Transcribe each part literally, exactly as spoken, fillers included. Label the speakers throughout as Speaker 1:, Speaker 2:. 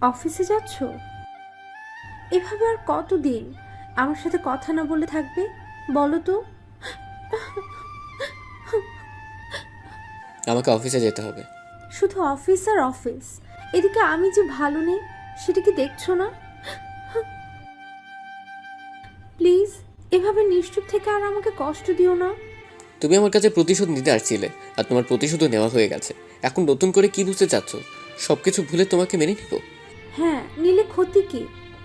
Speaker 1: অফিসে যাচ্ছ? এভাবে আর কতদিন আমার সাথে কথা না বলে থাকবে বলো তো?
Speaker 2: আমাকে অফিসে যেতে হবে।
Speaker 1: শুধু অফিস আর অফিস। এদিকে আমি যে ভালো নেই সেটা কি দেখছো না? প্লিজ এভাবে নিশ্চুপ থেকে আর আমাকে কষ্ট দিও না।
Speaker 2: তুমি আমার কাছে প্রতিশোধ নিতে আসছিলে, আর তোমার প্রতিশোধও নেওয়া হয়ে গেছে। এখন নতুন করে কি বুঝতে চাচ্ছ? সব কিছু ভুলে তোমাকে মেনে নিব?
Speaker 1: হ্যাঁ, নিলে ক্ষতি কি?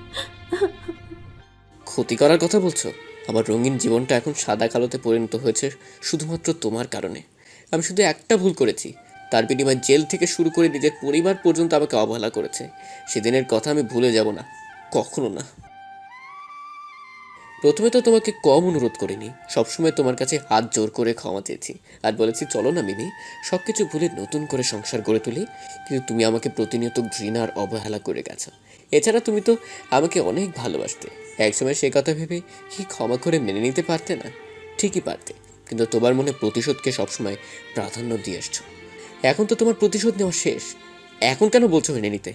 Speaker 2: ক্ষতি করার কথা বলছো? আমার রঙিন জীবনটা এখন সাদা কালোতে পরিণত হয়েছে শুধুমাত্র তোমার কারণে। আমি শুধু একটা ভুল করেছি, তার বিনিময়ে জেল থেকে শুরু করে নিজের পরিবার পর্যন্ত আমাকে অবহেলা করেছে। সেদিনের কথা আমি ভুলে যাব না, কখনো না। প্রথমে তো তোমাকে কম অনুরোধ করিনি, সবসময় তোমার কাছে হাত জোর করে ক্ষমা চেয়েছি আর বলেছি চলো না মিমি, সব কিছু ভুলে নতুন করে সংসার গড়ে তুলি। কিন্তু তুমি আমাকে প্রতিনিয়ত ঘৃণা আর অবহেলা করে গেছো। এছাড়া তুমি তো আমাকে অনেক ভালোবাসতে। একসময় সে কথা ভেবে কি ক্ষমা করে মেনে নিতে পারতে না? ঠিকই পারতে, কিন্তু তোমার মনে প্রতিশোধকে সবসময় প্রাধান্য দিয়ে আসছো। এখন তো তোমার প্রতিশোধ নেওয়া শেষ, এখন কেন বলছো মেনে নিতে?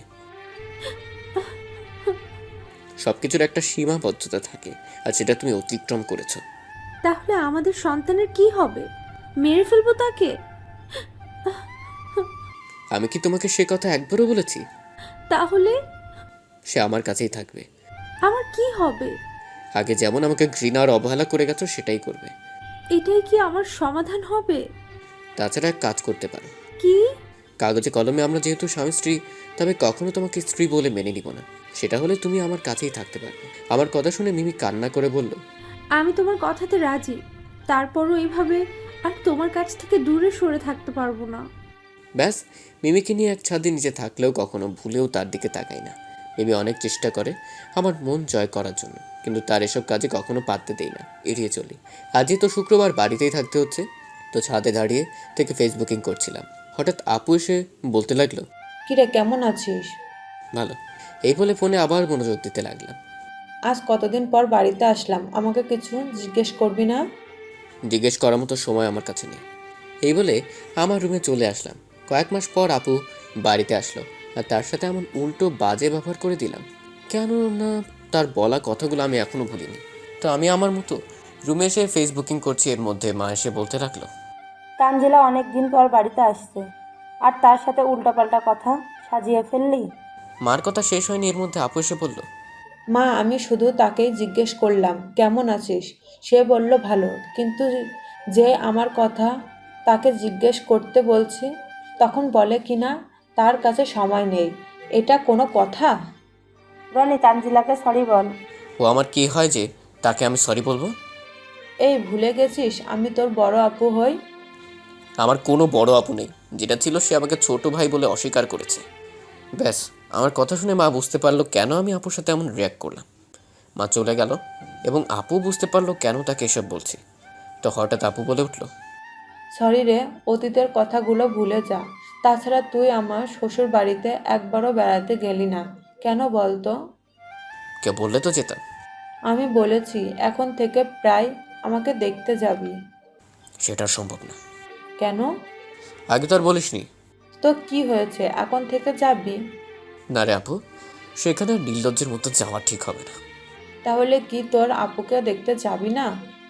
Speaker 2: সবকিছুর একটা সীমাবদ্ধতা থাকে, আর সেটা তুমি অতিক্রম করেছো।
Speaker 1: তাহলে আমাদের সন্তানের কি হবে? মেরে ফেলবো তাকে?
Speaker 2: আমি কি তোমাকে সে কথা একবারও বলেছি?
Speaker 1: তাহলে
Speaker 2: সে আমার কাছেই থাকবে।
Speaker 1: আমার কি হবে?
Speaker 2: আগে যেমন আমাকে ঘৃণা আর অবহেলা করে গেছো সেটাই করবে।
Speaker 1: এটাই কি আমার সমাধান হবে?
Speaker 2: তাছাড়া এক কাজ করতে পারো।
Speaker 1: কি?
Speaker 2: কাগজে কলমে আমরা যেহেতু স্বামী স্ত্রী, তবে কখনো তোমাকে স্ত্রী বলে মেনে নিব না। সেটা হলে তুমি আমার কাছেই থাকতে পারবে। আমার কথা শুনে মিমি কান্না করে বলল,
Speaker 1: আমি তোমার কথাতে রাজি, তারপরও এইভাবে আর তোমার কাছ থেকে দূরে সরে থাকতে পারবো না।
Speaker 2: ব্যাস। মিমিকে নিয়ে এক ছাদে নিচে থাকলেও কখনো ভুলেও তার দিকে তাকাই না। মিমি অনেক চেষ্টা করে আমার মন জয় করার জন্য, কিন্তু তার এসব কাজে কখনো পারতে দেই না, এড়িয়ে চলি। আজই তো শুক্রবার বাড়িতেই থাকতে হচ্ছে, তো ছাদে দাঁড়িয়ে থেকে ফেসবুকিং করছিলাম। হঠাৎ আপু এসে বলতে লাগলো,
Speaker 3: কিরে কেমন আছিস?
Speaker 2: ভালো। এই বলে ফোনে আবার মনোযোগ দিতে লাগলাম।
Speaker 3: আজ কতদিন পর বাড়িতে আসলাম, আমাকে কিছু জিজ্ঞেস করবি না?
Speaker 2: জিজ্ঞেস করার মতো সময় আমার কাছে নেই। এই বলে আমার রুমে চলে আসলাম। কয়েক মাস পর আপু বাড়িতে আসলো, আর তার সাথে এমন উল্টো বাজে ব্যবহার করে দিলাম কেন না, তার বলা কথাগুলো আমি এখনো ভুলিনি। তো আমি আমার মতো রুমে এসে ফেসবুকিং করছি, এর মধ্যে মা এসে বলতে লাগলো,
Speaker 4: তানজিলা অনেক দিন পর বাড়িতে আসছে আর তার সাথে উল্টাপাল্টা কথা সাজিয়ে ফেললি।
Speaker 2: মার কথা শেষ হয়নি, এর মধ্যে আপু এসে বলল,
Speaker 3: মা, আমি শুধু তাকেই জিজ্ঞেস করলাম কেমন আছিস। সে বলল ভালো, কিন্তু যে আমার কথা তাকে জিজ্ঞেস করতে বলছি তখন বলে কিনা তার কাছে সময় নেই। এটা কোনো কথা?
Speaker 4: রনি, তানজিলাকে সরি বল।
Speaker 2: ও আমার কি হয় যে তাকে আমি সরি বলবো?
Speaker 3: এই ভুলে গেছিস আমি তোর বড় আপু হই?
Speaker 2: আমার কোনো বড় আপু নেই, যেটা ছিল সে আমাকে ছোট ভাই বলে অস্বীকার করেছে। ব্যাস। আমার কথা শুনে মা বুঝতে পারলো কেন আমি আপুর সাথে এমন রিয়াক্ট করলাম। মা চলে গেল এবং আপু বুঝতে পারলো কেন তাকে এসব বলছি। তো হঠাৎ আপু বলে উঠল,
Speaker 3: সরি রে, অতীতের কথাগুলো ভুলে যা। তাছাড়া তুই আমার শ্বশুর বাড়িতে একবারও বেড়াতে গেলি না কেন বলতো?
Speaker 2: কেউ বললে তো যেতাম।
Speaker 3: আমি বলেছি এখন থেকে প্রায় আমাকে দেখতে যাবি।
Speaker 2: সেটা আর সম্ভব না।
Speaker 3: কেন?
Speaker 2: আগে তো আর বলিসনি।
Speaker 3: তো কি হয়েছে, এখন থেকে যাবি?
Speaker 2: না রে আপু, সেখানে আর নির্লজ্জের মতো যাওয়া ঠিক হবে না।
Speaker 3: তাহলে কি তোর আপুকে দেখতে যাবি না?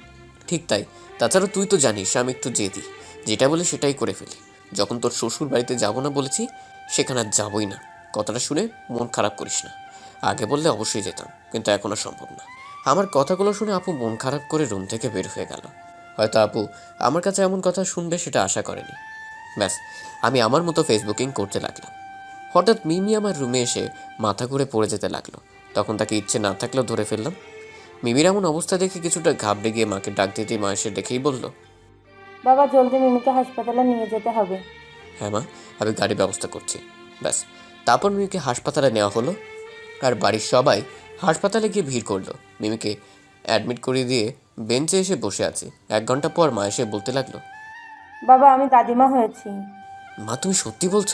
Speaker 2: ঠিক তাই। তাছাড়া তুই তো জানিস আমি একটু জেদি, যেটা বলি সেটাই করে ফেলি। যখন তোর শ্বশুর বাড়িতে যাবো না বলেছি, সেখানে আর যাবোই না। কথাটা শুনে মন খারাপ করিস না। আগে বললে অবশ্যই যেতাম, কিন্তু এখন আর সম্ভব না। আমার কথাগুলো শুনে আপু মন খারাপ করে রুম থেকে বের হয়ে গেল। হয়তো আপু আমার কাছে এমন কথা শুনবে সেটা আশা করেনি। ব্যাস, আমি আমার মতো ফেসবুকিং করতে লাগলাম। হঠাৎ মিমি আমার রুমে এসে মাথা ঘুরে পড়ে যেতে লাগলো। তখন তাকে ইচ্ছে না থাকলেও ধরে ফেললাম। মিমির এমন অবস্থা দেখে কিছুটা ঘাবড়ে গিয়ে মাকে ডাক দিতেই মা এসে দেখেই বলল,
Speaker 4: বাবা, জলদি মিমিকে হাসপাতালে নিয়ে যেতে হবে।
Speaker 2: হ্যাঁ মা, আমি গাড়ির ব্যবস্থা করছি। ব্যাস। তারপর মিমিকে হাসপাতালে নেওয়া হলো, আর বাড়ির সবাই হাসপাতালে গিয়ে ভিড় করলো। মিমিকে অ্যাডমিট করিয়ে দিয়ে বেঞ্চে এসে বসে আছি। এক ঘন্টা পর মা এসে বলতে লাগলো,
Speaker 4: বাবা, আমি দাদিমা হয়েছি।
Speaker 2: মা তুমি সত্যি বলছো?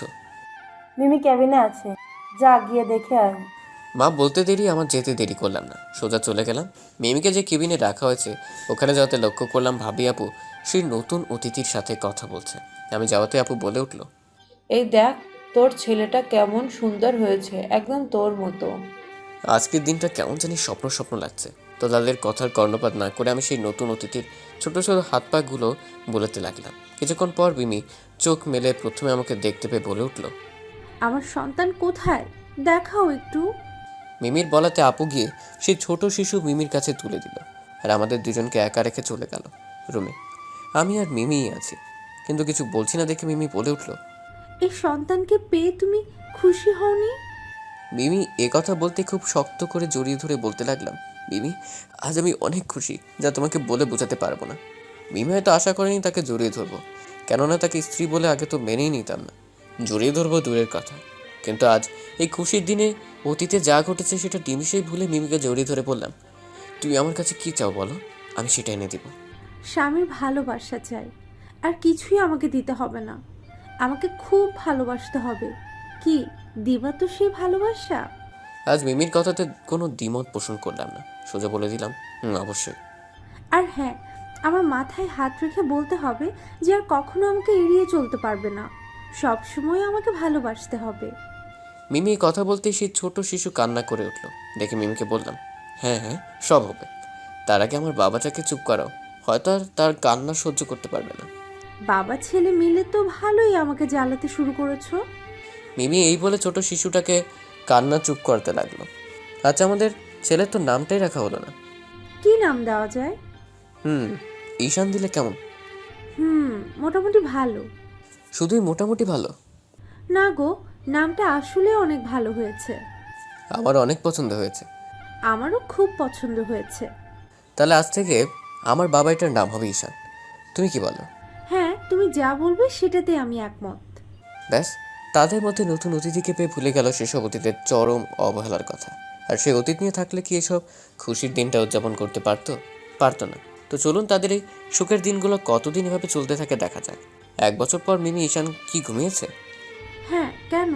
Speaker 4: মিমি ক্যাবিনে আছে, যা গিয়ে দেখে আয়।
Speaker 2: মা বলতে দেরি আমার যেতে দেরি করলাম না, সোজা চলে গেলাম। মিমিকে যে কেবিনে রাখা হয়েছে ওখানে যাওয়াতে লক্ষ্য করলাম ভাবি আপু সেই নতুন অতিথির সাথে কথা বলছে। আমি যাওয়াতে আপু বলে উঠল,
Speaker 3: এই দেখ, তোর ছেলেটা কেমন সুন্দর হয়েছে, একদম তোর মতো।
Speaker 2: আজকের দিনটা কেমন জানি স্বপ্ন স্বপ্ন লাগছে। তো তাদের কথার কর্ণপাত না করে আমি সেই নতুন অতিথির ছোট ছোট হাত পাগুলো বোলাতে লাগলাম। কিছুক্ষণ পর মিমি চোখ মেলে প্রথমে আমাকে দেখতে পেয়ে বলে উঠল,
Speaker 1: আমার সন্তান কোথায়, দেখাও একটু।
Speaker 2: মিমির বলাতে আপু গিয়ে সেই ছোট শিশু মিমির কাছে তুলে দিল, আর আমাদের দুজনকে একা রেখে চলে গেল রুমে। আমি আর মিমিই আছি, কিন্তু কিছু বলছি না দেখে মিমি বলে উঠল,
Speaker 1: এই সন্তানকে পেয়ে তুমি খুশি হওনি?
Speaker 2: মিমি এ কথা বলতে খুব শক্ত করে জড়িয়ে ধরে বলতে লাগলাম, মিমি আজ আমি অনেক খুশি, যা তোমাকে বলে বোঝাতে পারবো না। মিমি হয়তো আশা করেনি তাকে জড়িয়ে ধরবো, কেননা তাকে স্ত্রী বলে আগে তো মেনেই নিতাম না। জড়িয়ে ধরবো দূরের কথা, কিন্তু আজ এই খুশির দিনে অতীতে যা ঘটেছে সেটা নিমিষেই ভুলে মিমিকে জড়িয়ে ধরে বললাম, তুই আমার কাছে কি চাও বলো, আমি সেটা এনে দিব।
Speaker 1: স্বামীর ভালোবাসা চাই, আর কিছুই আমাকে দিতে হবে না। আমাকে খুব ভালোবাসতে হবে। কি দিবা তো সেই ভালোবাসা?
Speaker 2: আজ মিমির কথাতে কোনো দ্বিমত পোষণ করলাম না, সোজা বলে দিলাম, হুম অবশ্যই।
Speaker 1: আর হ্যাঁ, আমার মাথায় হাত রেখে বলতে হবে যে আর কখনো আমাকে এড়িয়ে চলতে পারবে না, সব সময় আমাকে ভালোবাসতে হবে।
Speaker 2: মিমি এই কথা বলতেই সেই ছোট শিশু কান্না করে উঠল। দেখে মিমিকে বললাম, হ্যাঁ হ্যাঁ সব হবে, তার আগে আমার বাবাটাকে চুপ করাও, হয়তো আর তার কান্না সহ্য করতে পারবে না।
Speaker 1: বাবা ছেলে মিলে তো ভালোই আমাকে জ্বালাতে শুরু করেছো।
Speaker 2: মিমি এই বলে ছোট শিশুটাকে কান্না চুপ করতে লাগলো। আচ্ছা আমাদের ছেলের তো নামটাই রাখা হলো না।
Speaker 1: কি নাম দেওয়া যায়?
Speaker 2: হুম ঈশান দিলে কেমন?
Speaker 1: হুম মোটামুটি ভালো।
Speaker 2: শুধুই মোটামুটি ভালো?
Speaker 1: না গো, নামটা আসলে অনেক ভালো হয়েছে।
Speaker 2: আমার অনেক পছন্দ হয়েছে।
Speaker 1: আমারও খুব পছন্দ হয়েছে।
Speaker 2: তাহলে আজ থেকে আমার বাবা এটার নাম হবে ঈশান, তুমি কি বলো?
Speaker 1: হ্যাঁ, তুমি যা বলবে সেটাতে আমি একমত।
Speaker 2: ব্যাস, তাদের মধ্যে নতুন অতিথিকে পেয়ে ভুলে গেল সেসব অতীতের চরম অবহেলার কথা। আর সেই অতীত নিয়ে থাকলে কি এসব খুশির দিনটা উদযাপন করতে পারতো? পারতো না। তো চলুন তাদের এই সুখের দিনগুলো কতদিন এভাবে চলতে থাকে দেখা যাক। এক বছর পর মিমি ঈশান কি ঘুমিয়েছে?
Speaker 1: হ্যাঁ, কেন?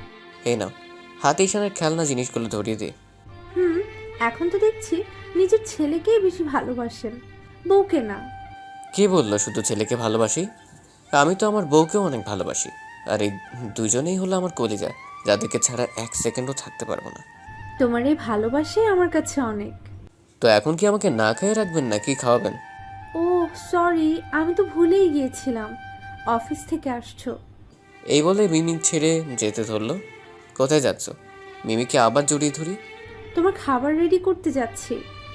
Speaker 2: এই নাও, হাতে ঈশানের খেলনা জিনিসগুলো ধরিয়ে দে।
Speaker 1: হুম, এখন তো দেখছি নিজের ছেলেকেই বেশি ভালোবাসেন, বউকে না।
Speaker 2: কে বললো শুধু ছেলেকে ভালোবাসি? আমি তো আমার বউকেও অনেক ভালোবাসি। আর এই দুজনেই হলো আমার কলিজা, যাদেরকে ছাড়া এক সেকেন্ডও থাকতে পারবো না।
Speaker 1: তোমার এই ভালোবাসাই আমার কাছে অনেক।
Speaker 2: তো এখন কি আমাকে না খাইয়ে রাখবেন নাকি খাওয়াবেন?
Speaker 1: ও সরি, আমি তো ভুলেই গিয়েছিলাম অফিস থেকে আসছো।
Speaker 2: এই বলে মিমি ছেড়ে যেতে ধরলো। কোথায় যাচ্ছ? মিমিকে আবার জড়িয়ে ধরি।
Speaker 1: তোমার খাবার রেডি করতে যাচ্ছি।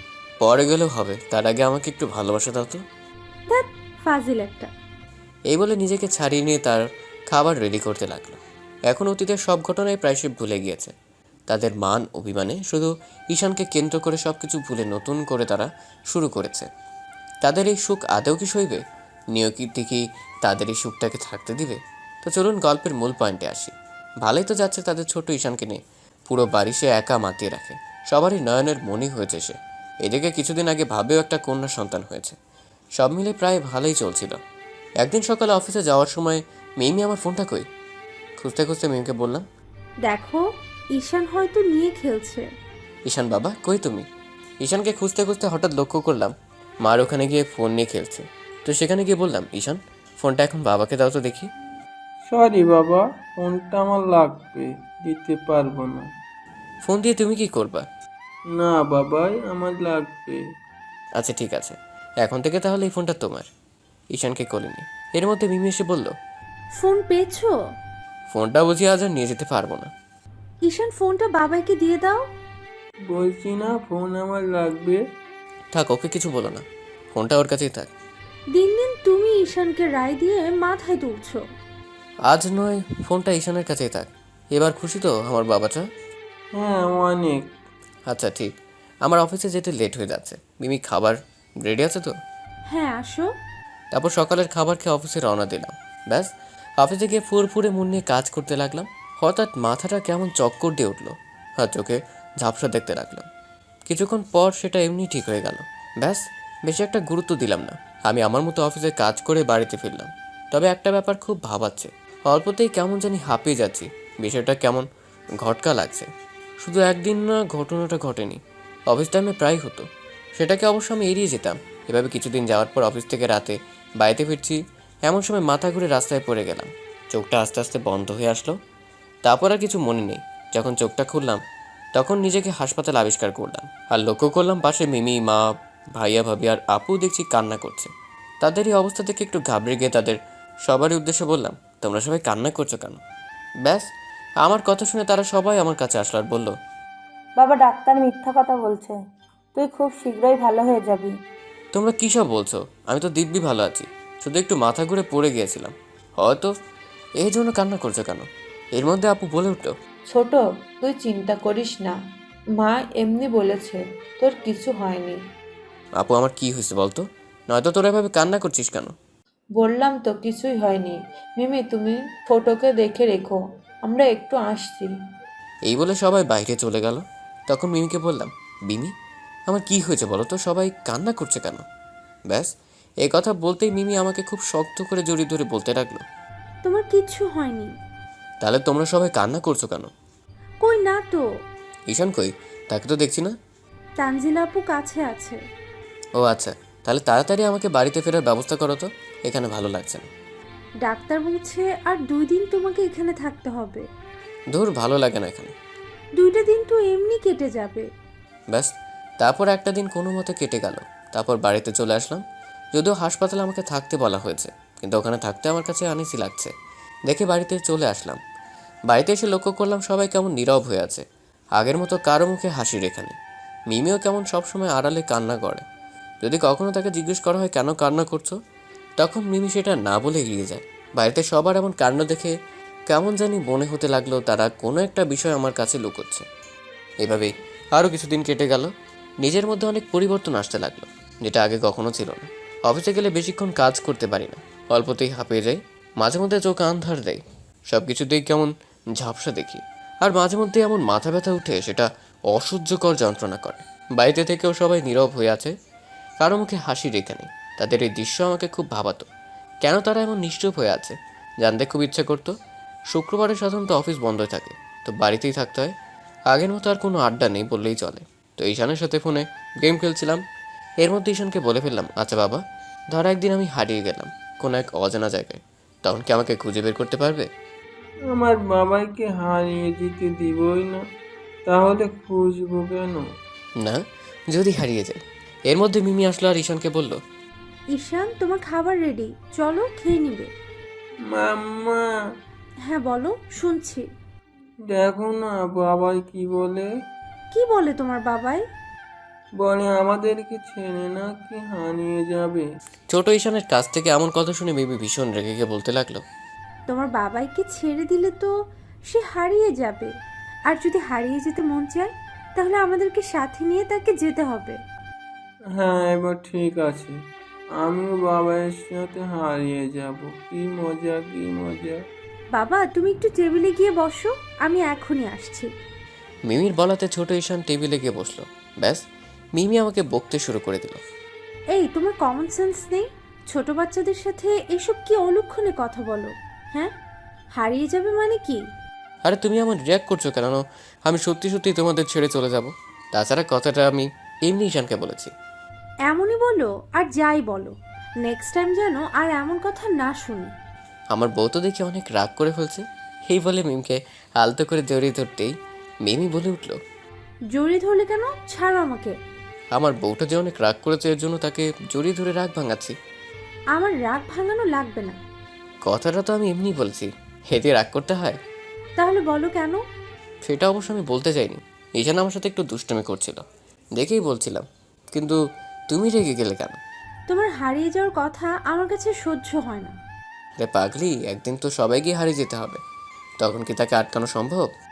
Speaker 2: পরে গেলেও হবে, তার আগে আমাকে একটু ভালোবাসা দাও তো।
Speaker 1: ধ্যাৎ, ফাজিল একটা।
Speaker 2: এই বলে নিজেকে ছাড়িয়ে নিয়ে তার খাবার রেডি করতে লাগলো। এখন অতীতের সব ঘটনায় প্রায় সে ভুলে গিয়েছে। তাদের মান অভিমানে শুধু ঈশানকে কেন্দ্র করে সব কিছু ভুলে নতুন করে তারা শুরু করেছে। তাদের এই সুখ আদৌ কি সইবে? নিয়তি কি তাদের এই সুখটাকে থাকতে দিবে? তো চলুন গল্পের মূল পয়েন্টে আসি। ভালোই তো যাচ্ছে তাদের ছোট ঈশানকে নিয়ে। পুরো বাড়ি সে একা মাতিয়ে রাখে, সবারই নয়নের মনি হয়েছে সে। এদিকে কিছুদিন আগে ভাবেও একটা কন্যা সন্তান হয়েছে। সব মিলে প্রায় ভালোই চলছিল। একদিন সকালে অফিসে যাওয়ার সময় মিমি আমার ফোনটা কই? খুঁজতে খুঁজতে মিমিকে বললাম,
Speaker 1: দেখো, ঈশান হয়তো নিয়ে খেলছে।
Speaker 2: ঈশান বাবা কই তুমি? ঈশানকে খুঁজতে খুঁজতে হঠাৎ লক্ষ্য করলাম মার ওখানে গিয়ে ফোন নিয়ে খেলছে। তো সেখানে গিয়ে বললাম, ঈশান ফোনটা এখন বাবাকে দাও তো দেখি।
Speaker 5: সরি বাবা, ফোনটা আমার লাগবে, দিতে পারবো না।
Speaker 2: ফোন দিয়ে তুমি কি করবা?
Speaker 5: না বাবাই, আমার লাগবে।
Speaker 2: আচ্ছা ঠিক আছে, এখন থেকে তাহলে এই ফোনটা তোমার। ঈশানকে কোলে নি। এর মধ্যে মিমি এসে বলল,
Speaker 1: ফোন পেয়েছো?
Speaker 2: ফোনটা বুঝি আজ আর নিয়ে যেতে পারবো না।
Speaker 1: ঈশান ফোনটা বাবাকে দিয়ে দাও।
Speaker 5: বলছি না ফোন আমার লাগবে।
Speaker 2: থাক, ওকে কিছু বলো না, ফোনটা ওর কাছেই থাক।
Speaker 1: দিন দিন তুমি ঈশানকে রায় দিয়ে মাথায় তুলছো।
Speaker 2: আজ নয়, ফোনটা ঈশানের কাছেই থাক। এবার খুশি তো আমার বাবাটা?
Speaker 5: হ্যাঁ অনেক।
Speaker 2: আচ্ছা ঠিক, আমার অফিসে যেতে লেট হয়ে যাচ্ছে। মিমি খাবার রেডি আছে তো?
Speaker 1: হ্যাঁ আসো।
Speaker 2: তারপর সকালের খাবার খেয়ে অফিসে রওনা দিলাম। ব্যাস, অফিসে গিয়ে ফুরফুরে মন নিয়ে কাজ করতে লাগলাম। হঠাৎ মাথাটা কেমন চক্কর দিয়ে উঠলো, আর চোখে ঝাপসা দেখতে লাগলাম। কিছুক্ষণ পর সেটা এমনি ঠিক হয়ে গেল। ব্যাস, বেশি একটা গুরুত্ব দিলাম না। আমি আমার মতো অফিসে কাজ করে বাড়িতে ফিরলাম। তবে একটা ব্যাপার খুব ভাবাচ্ছে, অল্পতেই কেমন জানি হাঁপিয়ে যাচ্ছি। বিষয়টা কেমন ঘটকা লাগছে। শুধু একদিন না, ঘটনাটা ঘটেনি, অফিস টাইমে প্রায় হতো। সেটাকে অবশ্য আমি এড়িয়ে যেতাম। এভাবে কিছুদিন যাওয়ার পর অফিস থেকে রাতে বাড়িতে ফিরছি, এমন সময় মাথা ঘুরে রাস্তায় পড়ে গেলাম। চোখটা আস্তে আস্তে বন্ধ হয়ে আসলো। তারপর আর কিছু মনে নেই। যখন চোখটা খুললাম তখন নিজেকে হাসপাতাল আবিষ্কার করলাম, আর লক্ষ্য করলাম পাশে মিমি, মা, ভাইয়া, ভাবি আর আপু দেখছি কান্না করছে। তাদের এই অবস্থা থেকে একটু ঘাবড়ে গিয়ে তাদের সবারই উদ্দেশ্যে বললাম, তোমরা সবাই কান্না করছো কেন? ব্যাস, আমার কথা শুনে তারা সবাই আমার কাছে আসলো আর বলল,
Speaker 4: বাবা, ডাক্তার মিথ্যা কথা বলছে, তুই খুব শীঘ্রই ভালো হয়ে যাবি।
Speaker 2: তোমরা কী সব বলছো? আমি তো দিব্যি ভালো আছি, শুধু একটু মাথা ঘুরে পড়ে গিয়েছিলাম হয়তো। এই জন্য কান্না করছো কেন? এর মধ্যে আপু বলে উঠলো,
Speaker 3: ছোট, তুই চিন্তা করিস না, মা এমনি বলেছে, তোর কিছু হয়নি।
Speaker 2: আপু আমার কি হয়েছে বলতো? নয়তো তোরা এভাবে কান্না করছিস কেন?
Speaker 3: বললাম তো কিছুই হয়নি। মিমি, তুমি ছোটকে দেখে রেখো, আমরা একটু আসছি।
Speaker 2: এই বলে সবাই বাইরে চলে গেল। তখন মিমিকে বললাম, মিমি আমার কি হয়েছে বলো তো, সবাই কান্না করছে কেন? ব্যাস, এই কথা বলতেই মিমি আমাকে খুব শক্ত করে জড়িয়ে ধরে বলতে লাগলো,
Speaker 1: তোমার কিচ্ছু হয়নি।
Speaker 2: তাহলে তোমরা সবাই কান্না করছো কেন?
Speaker 1: কই না তো।
Speaker 2: ঈশান কই? তাকে তো দেখছি না।
Speaker 1: তানজিলা আপু কাছে আছে।
Speaker 2: ও আচ্ছা, তাহলে তাড়াতাড়ি আমাকে বাড়িতে ফেরার ব্যবস্থা করো তো, এখানে ভালো লাগছে না।
Speaker 1: ডাক্তার বলছে আর দুই দিন তোমাকে এখানে থাকতে হবে।
Speaker 2: ধুর, ভালো লাগে না এখানে।
Speaker 1: দুইটা দিন তো এমনি কেটে যাবে।
Speaker 2: ব্যাস, তারপর একটা দিন কোনো মতো কেটে গেল। তারপর বাড়িতে চলে আসলাম। যদিও হাসপাতালে আমাকে থাকতে বলা হয়েছে, কিন্তু ওখানে থাকতে আমার কাছে আনিসি লাগছে দেখে বাড়িতে চলে আসলাম। বাড়িতে এসে লক্ষ্য করলাম সবাই কেমন নীরব হয়ে আছে, আগের মতো কারো মুখে হাসি রেখা নেই। মিমিও কেমন সবসময় আড়ালে কান্না করে। যদি কখনো তাকে জিজ্ঞেস করা হয় কেন কান্না করছো, তখন মিমি সেটা না বলে এগিয়ে যায়। বাড়িতে সবার এমন কাণ্ড দেখে কেমন জানি মনে হতে লাগলো তারা কোনো একটা বিষয় আমার কাছে লুকোচ্ছে। এভাবেই আরও কিছুদিন কেটে গেল। নিজের মধ্যে অনেক পরিবর্তন আসতে লাগলো, যেটা আগে কখনো ছিল না। অফিসে গেলে বেশিক্ষণ কাজ করতে পারি না, অল্পতেই হাঁপিয়ে যাই, মাঝে মধ্যে চোখ আন্ধার দেয়, সব কিছুতেই কেমন ঝাপসা দেখি, আর মাঝে মধ্যে এমন মাথা ব্যথা উঠে সেটা অসহ্যকর যন্ত্রণা করে। বাড়িতে থেকেও সবাই নীরব হয়ে আছে, কারো মুখে হাসি রেখে নেই। তাদের এই দৃশ্য আমাকে খুব ভাবাতো। কেন তারা এমন নিশ্চুপ হয়ে আছে জানতে খুব ইচ্ছে করতো। শুক্রবারে সাধারণত অফিস বন্ধ থাকে, তো বাড়িতেই থাকতে হয়। আগের মতো আর কোনো আড্ডা নেই বললেই চলে। তো ঈশানের সাথে ফোনে গেম খেলছিলাম। এর মধ্যে ঈশানকে বলে ফেললাম, আচ্ছা বাবা, ধর একদিন আমি হারিয়ে গেলাম কোনো এক অজানা জায়গায়, তখন কি আমাকে খুঁজে বের করতে পারবে?
Speaker 5: আমার বাবাইকে হারিয়ে দিতে দিবই না, তাহলে খুঁজবো কেন?
Speaker 2: না, যদি হারিয়ে যায়। এর মধ্যে মিমি আসলো আর ঈশানকে বলল,
Speaker 1: ঈশান, তোমার খাবার রেডি, চলো খেয়ে নিবে।
Speaker 5: মাম্মা,
Speaker 1: হ্যাঁ বলো, শুনছি।
Speaker 5: দেখো না বাবাই কি বলে।
Speaker 1: কি বলে তোমার বাবাই?
Speaker 5: বলে আমাদেরকে ছেড়ে নাকি হারিয়ে যাবে।
Speaker 2: ছোট ঈশানের কাছ থেকে এমন কথা শুনে মিমি ভীষণ রেগে গিয়ে বলতে লাগলো,
Speaker 1: তোমার বাবাইকে ছেড়ে দিলে তো সে হারিয়ে যাবে, আর যদি হারিয়ে যেতে মন চায় তাহলে আমাদেরকে সাথে নিয়ে তাকে যেতে হবে।
Speaker 5: হ্যাঁ, এবার ঠিক আছে, আমিও বাবাইয়ের সাথে হারিয়ে যাব। কি মজা, কি মজা।
Speaker 1: বাবা, তুমি একটু টেবিলে গিয়ে বসো, আমি এখনই আসছি।
Speaker 2: মিমির বলাতে ছোট ঈশান টেবিলে গিয়ে বসলো। ব্যাস, মিমি আমাকে বকতে শুরু করে দিল,
Speaker 1: এই, তোমার কমন সেন্স নেই? ছোট বাচ্চাদের সাথে এসব কি অলক্ষণে কথা বলো? হ্যাঁ, হারিয়ে যাবে মানে কি?
Speaker 2: আরে তুমি আমার রিয়াক্ট করছো কেন? আমি সত্যি সত্যি তোমাদের ছেড়ে চলে যাব। তাছাড়া কথাটা আমি এমনি ঈশানকে বলেছি।
Speaker 1: এমনই বলো আর যাই বলো, নেক্সট টাইম যেন আর এমন কথা না শুনি।
Speaker 2: আমার বউ তো দেখি অনেক রাগ করে ফেলছে। এই বলে মিমকে আলতো করে জড়িয়ে ধরতেই মিমি বলে উঠলো,
Speaker 1: জড়িয়ে ধরলে কেন? ছাড়ো আমাকে।
Speaker 2: আমার বউটা যে অনেক রাগ করেছে এর জন্য তাকে জড়িয়ে ধরে রাগ ভাঙাচ্ছি।
Speaker 1: আমার রাগ ভাঙানো লাগবে না।
Speaker 2: কথাটা তো আমি এমনি বলছি, এতে রাগ করতে হয়?
Speaker 1: তাহলে বলো কেন?
Speaker 2: সেটা অবশ্য আমি বলতে চাইনি। ঈশান আমার সাথে একটু দুষ্টুমি করছিল দেখেই বলছিলাম, কিন্তু তুমি রেগে গেলে কেন?
Speaker 1: তোমার হারিয়ে যাওয়ার কথা আমার কাছে সহ্য হয় না।
Speaker 2: আরে পাগলি, একদিন তো সবাইকে হারিয়ে যেতে হবে, তখন কি তাকে আটকানো সম্ভব?